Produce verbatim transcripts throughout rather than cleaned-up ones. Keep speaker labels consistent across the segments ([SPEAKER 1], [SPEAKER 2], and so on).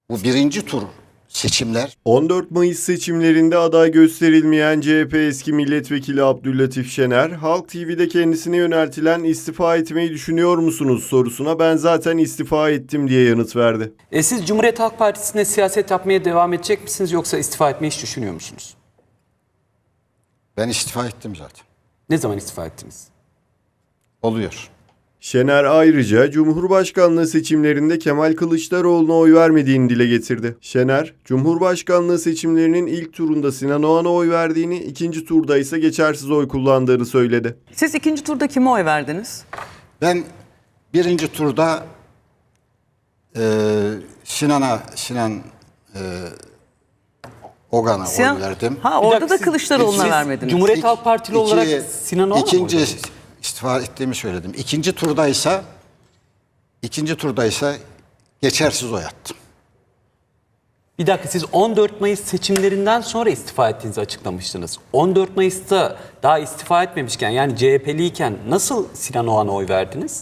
[SPEAKER 1] Bu birinci tur seçimler.
[SPEAKER 2] on dört Mayıs seçimlerinde aday gösterilmeyen C H P eski milletvekili Abdüllatif Şener, Halk T V'de kendisine yöneltilen istifa etmeyi düşünüyor musunuz sorusuna ben zaten istifa ettim diye yanıt verdi.
[SPEAKER 3] E siz Cumhuriyet Halk Partisi'nde siyaset yapmaya devam edecek misiniz yoksa istifa etmeyi hiç düşünüyor musunuz?
[SPEAKER 1] Ben istifa ettim zaten.
[SPEAKER 3] Ne zaman istifa ettiniz?
[SPEAKER 1] Oluyor.
[SPEAKER 2] Şener ayrıca Cumhurbaşkanlığı seçimlerinde Kemal Kılıçdaroğlu'na oy vermediğini dile getirdi. Şener, Cumhurbaşkanlığı seçimlerinin ilk turunda Sinan Oğan'a oy verdiğini, ikinci turda ise geçersiz oy kullandığını söyledi.
[SPEAKER 4] Siz ikinci turda kime oy verdiniz?
[SPEAKER 1] Ben birinci turda e, Sinan'a, Sinan e, Ogan'a
[SPEAKER 4] Sinan-
[SPEAKER 1] oy verdim.
[SPEAKER 4] Ha
[SPEAKER 3] Bir
[SPEAKER 4] orada
[SPEAKER 3] dakika,
[SPEAKER 4] da
[SPEAKER 3] siz-
[SPEAKER 4] Kılıçdaroğlu'na
[SPEAKER 3] siz
[SPEAKER 4] vermediniz.
[SPEAKER 3] Cumhuriyet
[SPEAKER 1] İk-
[SPEAKER 3] Halk Partili
[SPEAKER 1] iki-
[SPEAKER 3] olarak Sinan Oğan'a mı
[SPEAKER 1] ikinci
[SPEAKER 3] oy verdiniz?
[SPEAKER 1] istifa ettiğimi söyledim. İkinci turdaysa ikinci turdaysa geçersiz oy attım.
[SPEAKER 3] Bir dakika, siz on dört Mayıs seçimlerinden sonra istifa ettiğinizi açıklamıştınız. on dört Mayıs'ta daha istifa etmemişken, yani C H P'liyken nasıl Sinan Oğan'a oy verdiniz?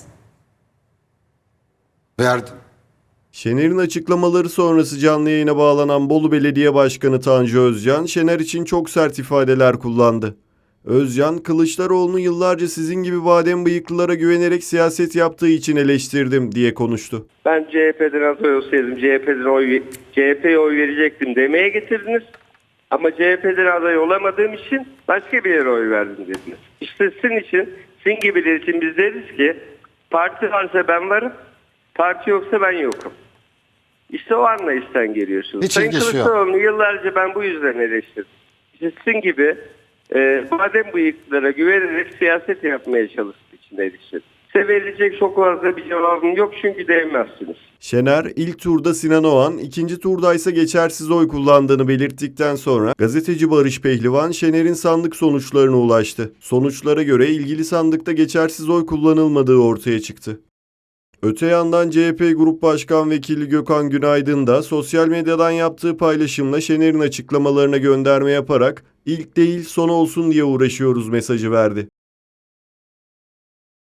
[SPEAKER 1] Verdim.
[SPEAKER 2] Şener'in açıklamaları sonrası canlı yayına bağlanan Bolu Belediye Başkanı Tanju Özcan, Şener için çok sert ifadeler kullandı. Özcan, Kılıçdaroğlu'nu yıllarca sizin gibi badem bıyıklılara güvenerek siyaset yaptığı için eleştirdim diye konuştu.
[SPEAKER 5] Ben C H P'den aday olsaydım C H P'den oy C H P'ye oy verecektim demeye getirdiniz. Ama C H P'den aday olamadığım için başka bir yere oy verdim dediniz. İşte sizin için, sizin gibiler için biz deriz ki parti varsa ben varım, parti yoksa ben yokum. İşte o anlayıştan geliyorsunuz.
[SPEAKER 1] Hiç
[SPEAKER 5] Sayın
[SPEAKER 1] ilgisi yok.
[SPEAKER 5] Kılıçdaroğlu'nu yıllarca ben bu yüzden eleştirdim. İşte sizin gibi e, badem bıyıklılara güvenerek siyaset yapmaya çalıştığı için eleştirdim. Size verilecek çok fazla bir cevabım yok çünkü değmezsiniz.
[SPEAKER 2] Şener, ilk turda Sinan Oğan, ikinci turda ise geçersiz oy kullandığını belirttikten sonra gazeteci Barış Pehlivan, Şener'in sandık sonuçlarına ulaştı. Sonuçlara göre ilgili sandıkta geçersiz oy kullanılmadığı ortaya çıktı. Öte yandan C H P Grup Başkan Vekili Gökhan Günaydın da sosyal medyadan yaptığı paylaşımla Şener'in açıklamalarına gönderme yaparak ilk değil son olsun diye uğraşıyoruz mesajı verdi.